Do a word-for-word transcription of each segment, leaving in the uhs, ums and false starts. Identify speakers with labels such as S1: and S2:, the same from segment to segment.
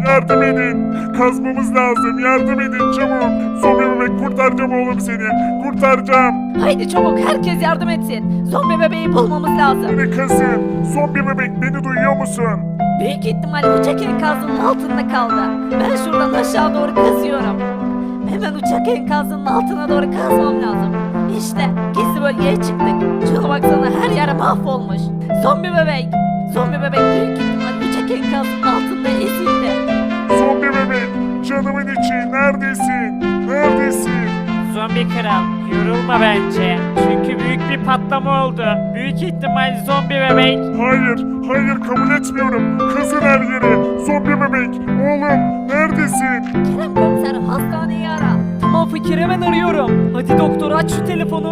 S1: Yardım edin. Kazmamız lazım. Yardım edin çabuk. Zombi bebek kurtaracağım oğlum seni. Kurtaracağım.
S2: Haydi çabuk herkes yardım etsin. Zombi bebeği bulmamız lazım.
S1: Beni kazın. Zombi bebek beni duyuyor musun?
S2: Büyük ihtimal uçak enkazının altında kaldı. Ben şuradan aşağı doğru kazıyorum. Hemen uçak enkazının altına doğru kazmam lazım. İşte gizli bölgeye çıktık. Şuna baksana her yer mahvolmuş. Zombi bebek. Zombi bebek büyük ihtimal uçak enkazının altında ezildi.
S1: Zombi bebek canımın içi neredesin? Neredesin?
S3: Zombi kral, yorulma bence. Çünkü büyük bir patlama oldu. Büyük ihtimal zombi bebek.
S1: Hayır, hayır kabul etmiyorum. Kazın her yeri. Zombi bebek, oğlum neredesin?
S2: Kerem komiser hastaneyi ara. Tamam Fakir hemen arıyorum. Hadi doktor aç şu telefonu.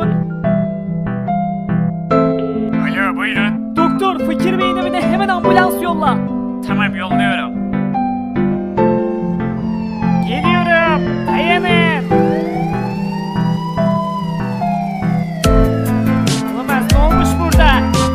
S3: Alo, buyurun.
S2: Doktor Fakir Bey'in evine hemen ambulans yolla.
S3: Tamam, yolluyorum. Geliyorum. Dayanın. Olamaz, ne olmuş burada?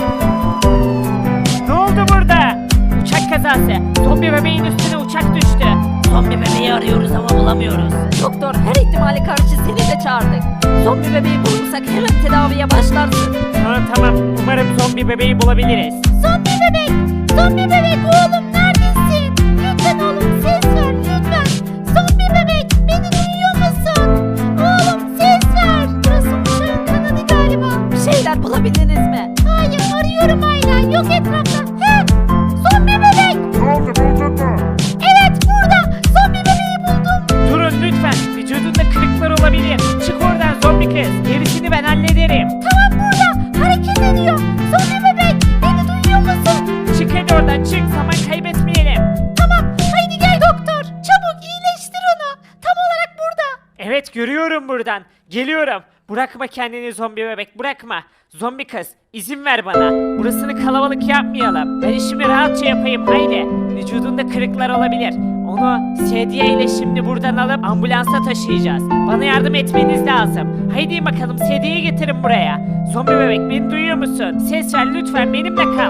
S3: Ne oldu burada? Uçak kazası. Zombi bebeğin üstüne uçak düştü.
S2: Zombi bebeği arıyoruz ama bulamıyoruz. Doktor her ihtimale karşı seni de çağırdık. Zombi bebeği bulursak hemen tedaviye başlarsın.
S3: Tamam tamam. Umarım zombi bebeği bulabiliriz.
S2: Zombi bebek! Zombi bebek oğlum neredesin? Lütfen oğlum ses ver lütfen. Zombi bebek beni duyuyor musun? Oğlum ses ver. Burası uçağın kanadı galiba. Bir şeyler bulabildiniz mi? Hayır arıyorum hala yok etrafta. He! Zombi bebek!
S1: Ne oldu buldun mu?
S2: Evet burada! Zombi bebeği buldum.
S3: Durun lütfen. Vücudunda kırıklar olabilir. Çık oradan zombi kız. Gerisini ben hallederim.
S2: Tamam burada hareket ediyor. Zombi bebek beni duyuyor musun?
S3: Çık hadi oradan çık. Zaman kaybetmeyelim.
S2: Tamam haydi gel doktor. Çabuk iyileştir onu. Tam olarak burada.
S3: Evet görüyorum buradan. Geliyorum. Bırakma kendini zombi bebek bırakma. Zombi kız izin ver bana. Burasını kalabalık yapmayalım. Ben işimi rahatça yapayım haydi. Vücudunda kırıklar olabilir. Onu sedye ile şimdi buradan alıp ambulansa taşıyacağız. Bana yardım etmeniz lazım. Haydi bakalım sedyeyi getirin buraya. Zombi bebek beni duyuyor musun? Ses ver lütfen benimle kal.